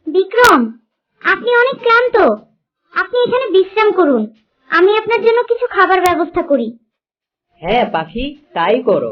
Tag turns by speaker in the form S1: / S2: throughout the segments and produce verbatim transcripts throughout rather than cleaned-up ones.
S1: বিক্রম, আপনি অনেক ক্লান্ত, আপনি এখানে বিশ্রাম করুন। আমি আপনার জন্য কিছু খাবার ব্যবস্থা করি।
S2: হ্যাঁ পাখি, তাই করো।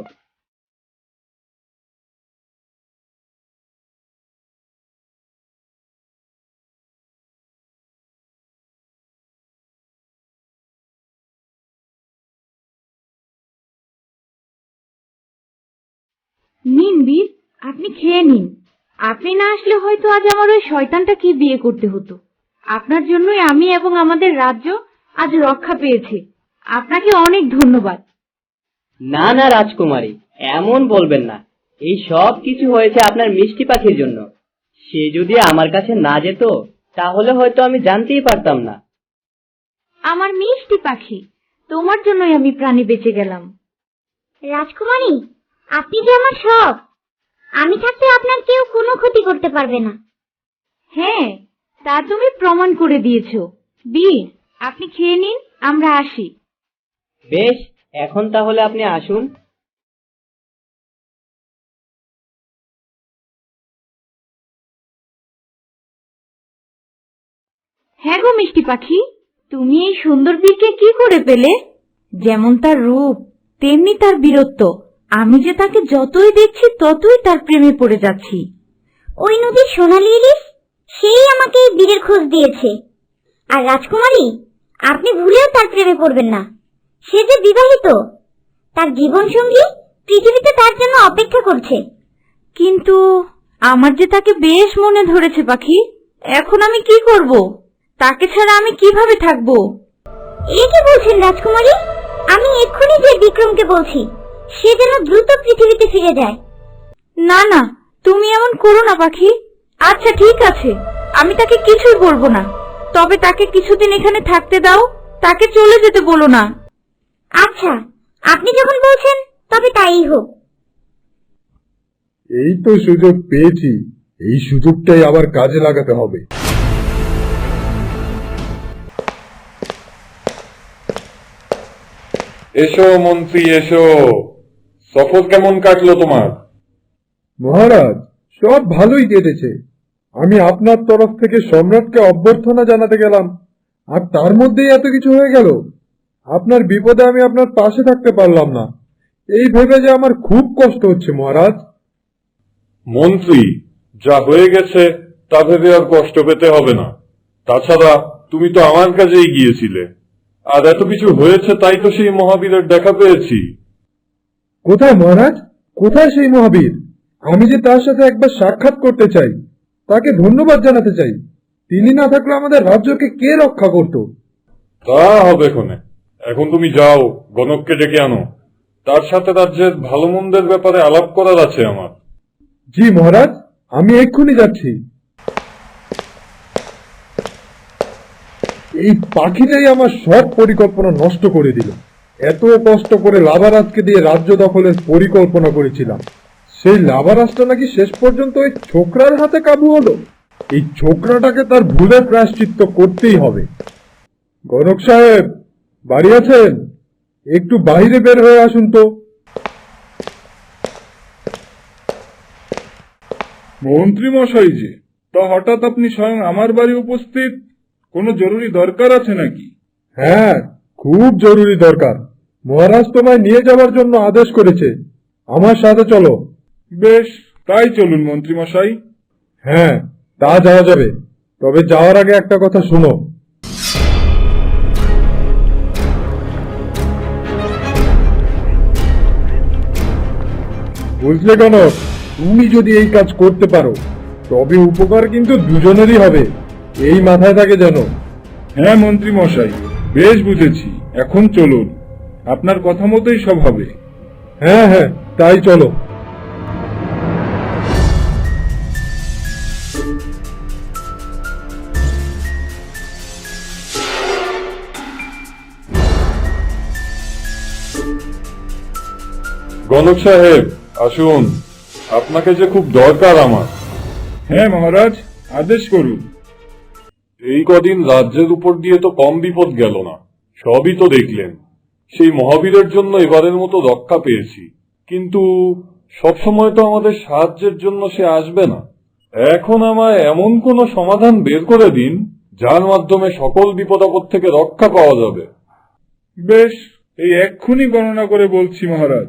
S3: নিন বীর, আপনি খেয়ে নিন। আপনি না আসলে হয়তো আজ আমার ওই শয়তানটাকে বিয়ে করতে হতো। আপনার জন্যই আমি এবং আমাদের রাজ্য আজ রক্ষা পেয়েছে। আপনাকে অনেক ধন্যবাদ।
S2: না না রাজকুমারী, এমন বলবেন না। এই সব কিছু হয়েছে আপনার মিষ্টি পাখির জন্য। সে যদি আমার কাছে না যেত তাহলে হয়তো আমি জানতেই পারতাম না।
S3: আমার মিষ্টি পাখি, তোমার জন্যই আমি প্রাণী বেঁচে গেলাম।
S1: রাজকুমারী, আপনি যে আমার সব। আমি থাকতে আপনার কেউ কোনো ক্ষতি করতে পারবে না।
S3: হ্যাঁ, তা তুমি প্রমাণ করে দিয়েছো। বীর, আপনি খেয়ে নিন, আমরা আসি।
S2: বেশ, এখন তাহলে আপনি আসুন।
S3: হ্যাঁ গো মিষ্টি পাখি, তুমি এই সুন্দর বীরকে কি করে পেলে? যেমন তার রূপ, তেমনি তার বীরত্ব। আমি যে তাকে যতই দেখছি ততই তার প্রেমে পড়ে যাচ্ছি।
S1: ওই নদীর সোনালি ইলিশ, সেই আমাকে এই বীরের খোঁজ দিয়েছে। আর রাজকুমারী, আপনি ভুলেও তার প্রেমে পড়বেন না। সে যে বিবাহিত, তার জীবন সঙ্গী পৃথিবীতে তার জন্য অপেক্ষা করছে।
S3: কিন্তু আমার যে তাকে বেশ মনে ধরেছে পাখি। এখন আমি কি করব? তাকে ছাড়া আমি কিভাবে থাকবো?
S1: এ কি বলছেন রাজকুমারী? আমি এক্ষুনি যে বিক্রমকে বলছি, সে যেন দ্রুত পৃথিবীতে ফিরে যায়।
S3: না না, তুমি এমন করো না পাখি। আচ্ছা ঠিক আছে, আমি তাকে কিছুই বলবো না। তবে তাকে কিছুদিন এখানে থাকতে দাও, তাকে চলে যেতে বলো না।
S1: আচ্ছা, আপনি যখন বলছেন তবে তাই হোক।
S4: এই তো সুযোগ পেয়েছি, এই সুযোগটাই আবার কাজে লাগাতে হবে।
S5: এসো মন্ত্রী, এসো। সফর কেমন কাটলো তোমার?
S4: মহারাজ, সব ভালোই কেটেছে। আমি আপনার তরফ থেকে সম্রাটকে অভ্যর্থনা জানাতে গেলাম, আর তার মধ্যেই এত কিছু হয়ে গেল। আপনার বিপদে আমি আপনার পাশে থাকতে পারলাম না, এই ভেবে যে আমার খুব কষ্ট হচ্ছে মহারাজ।
S5: মন্ত্রী, যা হয়ে গেছে তা ভেবে আর কষ্ট পেতে হবে না। তাছাড়া তুমি তো আমার কাছেই গিয়েছিলে, আর এত কিছু হয়েছে তাই তো সেই মহাবীরের দেখা পেয়েছি।
S4: কোথায় মহারাজ, কোথায় সেই মহাবীর? আমি যে তার সাথে একবার সাক্ষাৎ করতে চাই, তাকে ধন্যবাদ জানাতে চাই। তিনি না থাকলে আমাদের রাজ্যকে কে রক্ষা করত?
S5: তা হবে ক্ষণে। এখন তুমি যাও, গণককে ডেকে আনো। তার সাথে রাজ্যের ভালো মন্দের ব্যাপারে আলাপ করার আছে আমার।
S4: জি মহারাজ, আমি এক্ষুনি যাচ্ছি। এই পাখিটাই আমার সব পরিকল্পনা নষ্ট করে দিল। এত কষ্ট করে লাভারাজকে দিয়ে রাজ্য দখলের পরিকল্পনা করেছিলাম, সেই লাভারাজটা নাকি শেষ পর্যন্ত ওই ছোকরার হাতে কাবু হলো। এই ছোকরাটাকে তার ভুলের প্রায়শ্চিত্ত করতেই হবে। গণক সাহেব, বাড়ি আছেন? একটু বাইরে বের হয়ে আসুন তো।
S5: মন্ত্রী মশাই যে, তা হঠাৎ আপনি স্বয়ং আমার বাড়ি উপস্থিত? কোনো জরুরি দরকার আছে নাকি?
S4: হ্যাঁ, খুব জরুরি দরকার। মহারাজ তোমায় নিয়ে যাওয়ার জন্য আদেশ করেছে। আমার সাথে চলো।
S5: বেশ, তাই চলুন মন্ত্রী মশাই।
S4: হ্যাঁ, তা যাওয়া যাবে, তবে যাওয়ার আগে একটা কথা শোনো। বুঝলে গণক, তুমি যদি এই কাজ করতে পারো তবে উপকার কিন্তু দুজনেরই হবে, এই মাথায় থাকে যেন।
S5: হ্যাঁ মন্ত্রী মশাই, বেশ বুঝেছি। এখন চলুন, আপনার কথা মতোই সব হবে।
S4: হ্যাঁ হ্যাঁ, তাই চলো।
S5: গণক সাহেব, আসুন। আপনাকে যে খুব দরকার আমার। হ্যাঁ মহারাজ, আদেশ করুন। এই কদিন রাজ্যের উপর দিয়ে তো কম বিপদ গেল না, সবই তো দেখলেন। সেই মহাবীরের জন্য এবারের মতো রক্ষা পেয়েছি, কিন্তু সবসময় তো আমাদের সাহায্যের জন্য সে আসবে না। এখন আমায় এমন কোনো সমাধান বের করে দিন যার মাধ্যমে সকল বিপদ আপদ থেকে রক্ষা পাওয়া যাবে।
S4: বেশ, এই এক্ষুনি গণনা করে বলছি মহারাজ।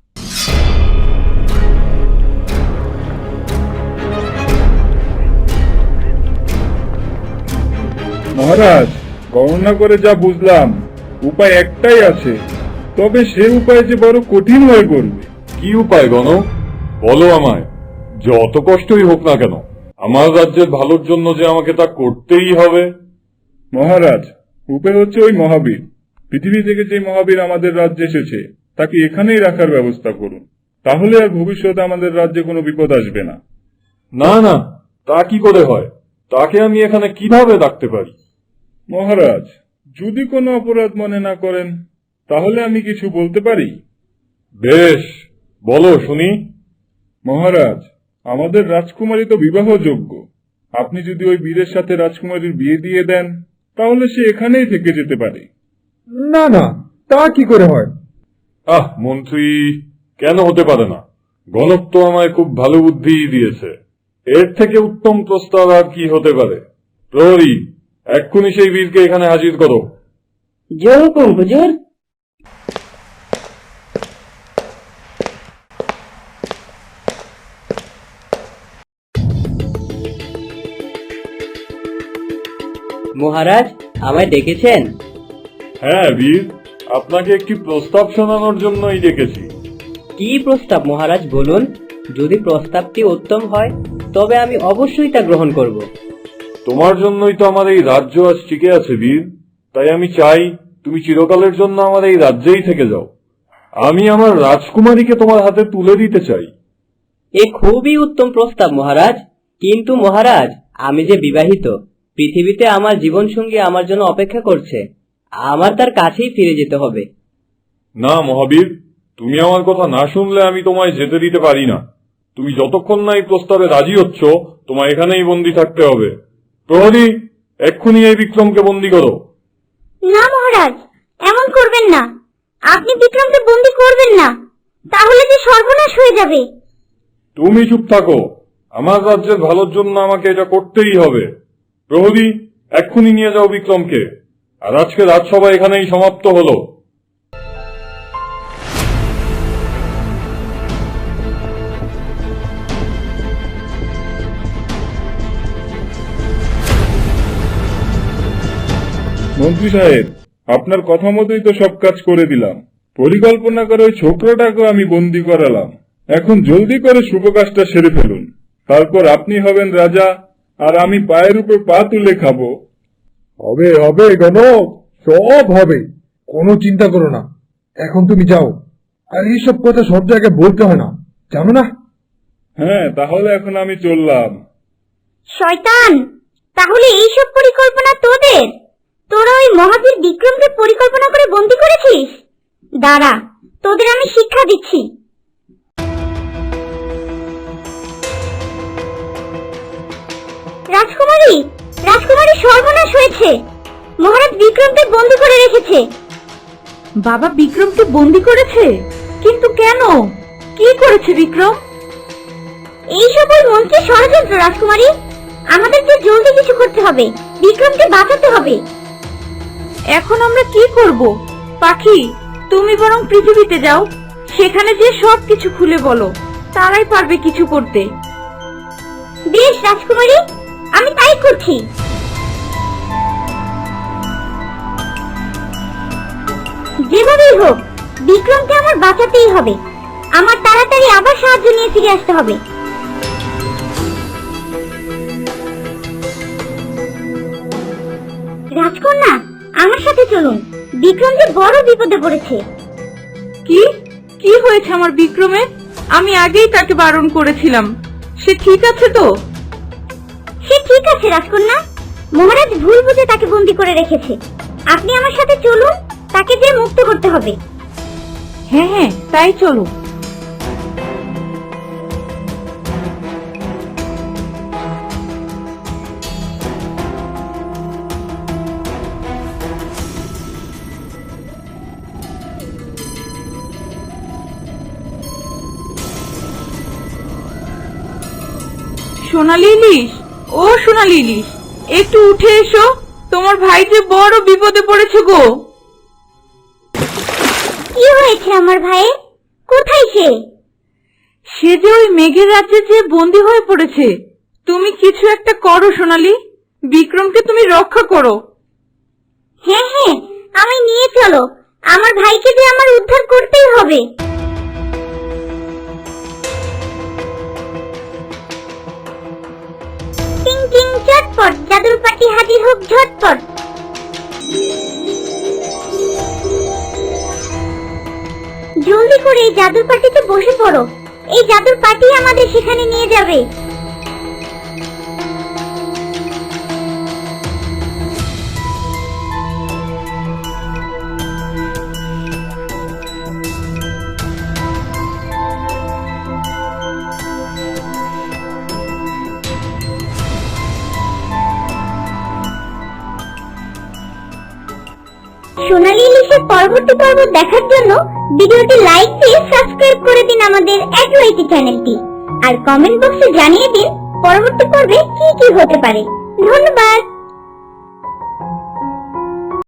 S4: মহারাজ, গণনা করে যা বুঝলাম উপায় একটাই আছে, তবে সে উপায় যে বড় কঠিন হয়ে পড়বে।
S5: কি উপায় গণক? বলো আমায়। যত কষ্টই হোক না কেন, আমার রাজ্যের ভালোর জন্য যে আমাকে তা করতেই হবে।
S4: মহারাজ, উপায় হচ্ছে ওই মহাবীর। পৃথিবী থেকে যে মহাবীর আমাদের রাজ্যে এসেছে তাকে এখানেই রাখার ব্যবস্থা করুন, তাহলে আর ভবিষ্যতে আমাদের রাজ্যে কোনো বিপদ আসবে না।
S5: না না, তা কি করে হয়? তাকে আমি এখানে কিভাবে রাখতে পারি?
S4: মহারাজ, যদি কোনো অপরাধ মনে না করেন তাহলে আমি কিছু বলতে পারি।
S5: বেশ, বলো শুনি।
S4: মহারাজ, আমাদের রাজকুমারী তো বিবাহযোগ্য। আপনি যদি ওই বীরের সাথে রাজকুমারীর বিয়ে দিয়ে দেন তাহলে সে এখানেই থেকে যেতে পারে। না না, তা কি করে হয়?
S5: আহ মন্ত্রী, কেন হতে পারে না? গণক তো আমায় খুব ভালো বুদ্ধি দিয়েছে। এর থেকে উত্তম প্রস্তাব আর কি হতে পারে? প্রহরী, এক্ষুনি সেই বীরকে এখানে হাজির করো।
S2: জোর হুকুম হুজুর। মহারাজ, আমায় ডেকেছেন?
S5: হ্যাঁ বীর, আপনাকে একটি প্রস্তাব শোনানোর জন্যই ডেকেছি।
S2: কি প্রস্তাব মহারাজ, বলুন। যদি প্রস্তাবটি উত্তম হয় তবে আমি অবশ্যই তা গ্রহণ করব।
S5: তোমার জন্যই তো আমার এই রাজ্য আজ টিকে আছে বীর, তাই আমি চাই তুমি চিরকালের জন্য আমার এই রাজ্যেই থেকে যাও। আমি আমার রাজকুমারীকে তোমার হাতে তুলে দিতে চাই।
S2: এ খুবই উত্তম প্রস্তাব মহারাজ, কিন্তু মহারাজ, আমি যে বিবাহিত, পৃথিবীতে আমার জীবন সঙ্গী আমার জন্য অপেক্ষা করছে, আমার তার কাছেই ফিরে যেতে হবে।
S5: না মহাবীর, তুমি আমার কথা না শুনলে আমি তোমায় যেতে দিতে পারি না। তুমি যতক্ষণ না এই প্রস্তাবে রাজি হচ্ছ, তোমায় এখানেই বন্দী থাকতে হবে। প্রহরী, এক্ষুনি এই বিক্রমকে বন্দী করো।
S1: না মহারাজ, এমন করবেন না। আপনি বিক্রমকে বন্দী করবেন না, তাহলে যে সর্বনাশ হয়ে যাবে।
S5: তুমি চুপ থাকো। আমার রাজ্যের ভালোর জন্য আমাকে এটা করতেই হবে। প্রহরী, এক্ষুনি নিয়ে যাও বিক্রমকে। আর আজকে রাজসভা এখানেই সমাপ্ত হলো।
S4: মন্ত্রী সাহেব, আপনার কথা মতোই তো সব কাজ করে দিলাম। পরিকল্পনা করে ওই ছোকরাটাকেও আমি বন্দি করালাম। এখন জলদি করে শুভ কাজটা সেরে ফেলুন, তারপর আপনি হবেন রাজা আর আমি পায়ের উপর পা তুলে খাবো। হবে হবে গণক, সব হবে, কোনো চিন্তা করো না। এখন তুমি যাও, আর এইসব কথা সব জায়গায় বলতে হয় না, জানো না? হ্যাঁ, তাহলে এখন আমি চললাম।
S1: শয়তান, তাহলে এইসব পরিকল্পনা তোদের? তোরা ওই মহাবীর বিক্রমকে পরিকল্পনা করে বন্দী করেছিস? দাঁড়া, তোদের আমি শিক্ষা দিচ্ছি। রাজকুমারী, রাজকুমারী, সর্বনাশ হয়েছে। মহারাজ বিক্রমকে বন্দী করে রেখেছে।
S3: বাবা বিক্রমকে বন্দি করেছে? কিন্তু কেন? কি করেছে বিক্রম?
S1: এই সকল মন্ত্রীর ষড়যন্ত্র রাজকুমারী। আমাদেরকে জলদি কিছু করতে হবে, বিক্রমকে বাঁচাতে হবে।
S3: এখন আমরা কি করব? পাখি, তুমি বরং পৃথিবীতে যাও, সেখানে যে সব কিছু খুলে বলো, তারাই পারবে কিছু করতে।
S1: বেশ রাজকুমারী, আমি তাই করছি। যেভাবেই হোক বিক্রমকে আমার বাঁচাতেই হবে। আমার তাড়াতাড়ি আবার সাহায্য নিয়ে ফিরে আসতে হবে। রাজকন্যা, আমার সাথে চলুন। বিক্রম যে বড় বিপদে পড়েছে।
S3: কি কি হয়েছে আমার বিক্রমের? আমি আগেই তাকে বারণ করেছিলাম। সে ঠিক আছে তো?
S1: সে ঠিক আছে রাজকন্যা। মহারাজ ভুল বুঝে তাকে বন্দী করে রেখেছে। আপনি আমার সাথে চলুন, তাকে যে মুক্ত করতে হবে।
S3: হ্যাঁ হ্যাঁ, তাই চলো। সোনালি ইলিশ, ও সোনালি ইলিশ, একটু উঠে এসো, তোমার ভাই যে বড় বিপদে পড়েছে গো।
S1: কি হয়েছে আমার ভাইয়ের? কোথায় সে?
S3: সে যে ওই মেঘের রাজ্যে যে বন্দী হয়ে পড়েছে। তুমি কিছু একটা করো সোনালি, বিক্রমকে তুমি রক্ষা করো।
S1: হ্যাঁ হ্যাঁ, আমি নিয়ে চলো, আমার ভাইকে যে আমার উদ্ধার করতেই হবে। টিং টিং চটপট, জাদুর পাটি হাজির হোক ঝটপট। জলদি করে এই জাদুর পাটিতে বসে পড়ো, এই জাদুর পাটি আমাদের সেখানে নিয়ে যাবে। সোনালী ইলিশের পরবর্তী পর্ব দেখার জন্য ভিডিওটি লাইক দিয়ে সাবস্ক্রাইব করে দিন আমাদের অ্যাডওয়াইটি চ্যানেলটি, আর কমেন্ট বক্সে জানিয়ে দিন পরবর্তী পর্বে কি কি হতে পারে। ধন্যবাদ।